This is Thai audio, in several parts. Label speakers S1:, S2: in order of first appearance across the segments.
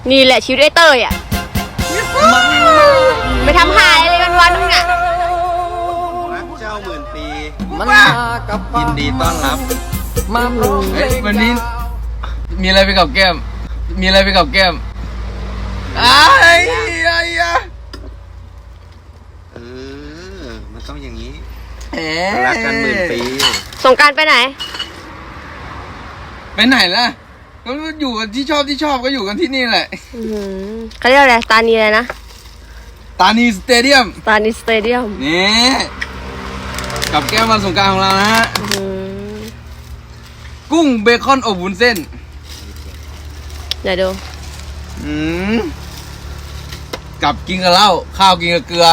S1: นี่แหละชีวิตไอ้เต้ยอ่ะไปทำหายอะไรวันๆนึงอ่ะ
S2: รักเจ้าหมื่นปี
S3: มันมากับ
S2: ยินดีต้อนรับ
S3: มาพร้อมเพลง
S4: วันนี้มีอะไรไปกับแก้ม มีอะไรไปกับแก้มอ้าย
S2: เออมันต้องอย่างนี้
S4: เอ๋
S2: รักกันหมื่นปี
S1: สงกรานต์ไปไหน
S4: ไปไหนล่ะ ก็อยู่กันที่ชอบก็อยู่กันที่นี่แหละ
S1: เขาเรียกอะไรตานีอะไรนะ
S4: ตานีสเตเดียม
S1: ตานีสเตเดียม
S4: นี่กับแก้มวันสงกรานต์ของเรานะฮะ กุ้งเบคอนอบวุ้นเส้น
S1: เดี๋ยวดู
S4: กับกินกับเหล้าข้าวกินกับเกลือ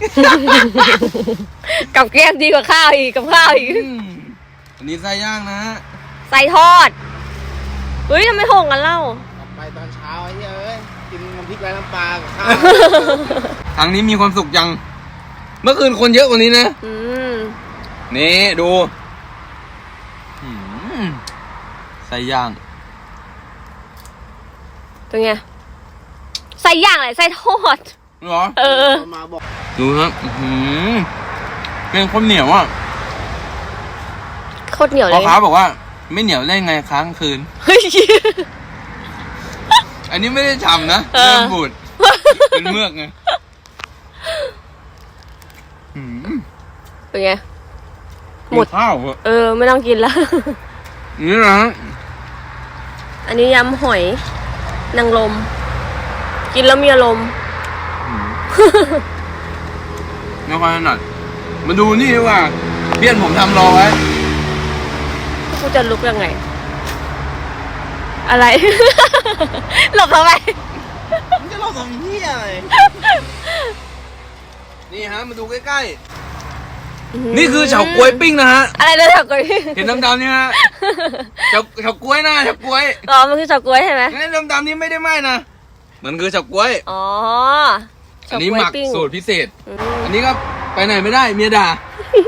S1: กับแก้มดีกว่าข้าวอีกกับข้าวอีก
S4: อันนี้ไส้ย่างนะฮะ
S1: ใส่ทอดเฮ้ยทำไมโหงกันเล่า
S2: ไปตอนเช้าไอ้เอ้ยกินน้ำพริกไร้น้ำปลากับข้าว
S4: ครั้งนี้มีความสุขจัง เมื่อคืนคนเยอะกว่านี้นะ นี่ดูไส้ย่าง
S1: เป็นไงใส่ย่างอะไรใส่ทอด
S4: เหรอ
S2: มาบอก
S4: ดูครับเป็นคนเหนียวอ่ะ
S1: โคตรเหนียวเล
S4: พ่อย ค้าบอกว่าไม่เหนียวได้ไงค้างคืน
S1: เฮ้ย
S4: อันนี้ไม่ได้ฉ่ำนะ
S1: เออ
S4: เริ่มบูดเป็นเมือกไง
S1: เป็นไง หมด
S4: ข้าวอะ
S1: ไม่ต้องกินแล้ว
S4: นี่นะฮะ
S1: อันนี้ยำหอยนางรมกินแล้วมีอารมณ์
S4: ไม่ค่อยถนัดมาดูนี่ดีกว่าเพื่อนผมทำรอไว้
S1: กูจะลุกยังไง อะไร หลบทำไม
S2: มึงจะรอสองเหี้ยเลย
S4: นี่ฮะมาดูใกล้ๆนี่คือเฉาก๊วยปิ้งนะฮะ
S1: อะไรนะเฉาก๊วย
S4: เห็นดำๆนี่ฮะเฉาก๊วยนะเฉาก๊วย
S1: อ๋อมันคือเฉาก๊วยใช่ไหม
S4: นี่ดำๆนี่ไม่ได้ไหม้นะมันคือเฉาก๊วย
S1: อ๋อ
S4: อันนี้หมัก
S1: ปิ้ง
S4: สูตรพิเศษ
S1: อืม
S4: อันนี้ก็ไปไหนไม่ได้เมียด่า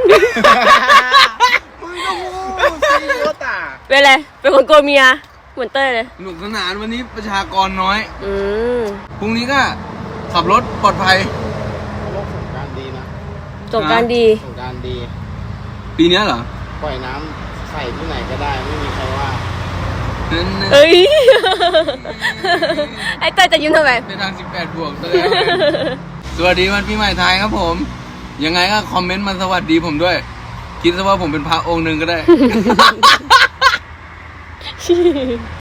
S2: มึงก็พูดสิโอตา
S1: เป็นอะไรเป็นคนกลัวเมียเหมือนเต้ยเลย
S4: สนุกสนานวันนี้ประชากรน้อย
S1: อืม
S4: พรุ่งนี้ก็ขับรถปลอดภัย
S2: โลกสงกรานต์ดีนะ
S1: สงกรานต์ดี
S2: สงกรานต์ดี
S4: ปีนี้เหรอ
S2: ปล่อยน้ำใส่ที่ไหนก็ได้ไม่มีใครว่า
S4: นั่น
S1: เอ้ย ไอ้เต้ยจะยิ้มทำไม
S4: ในทาง18 บวกซะแล้วสวัสดีวันปีใหม่ไทยครับผม ยังไงก็คอมเมนต์มาสวัสดีผมด้วย คิดซะว่าผมเป็นพระองค์หนึ่งก็ได้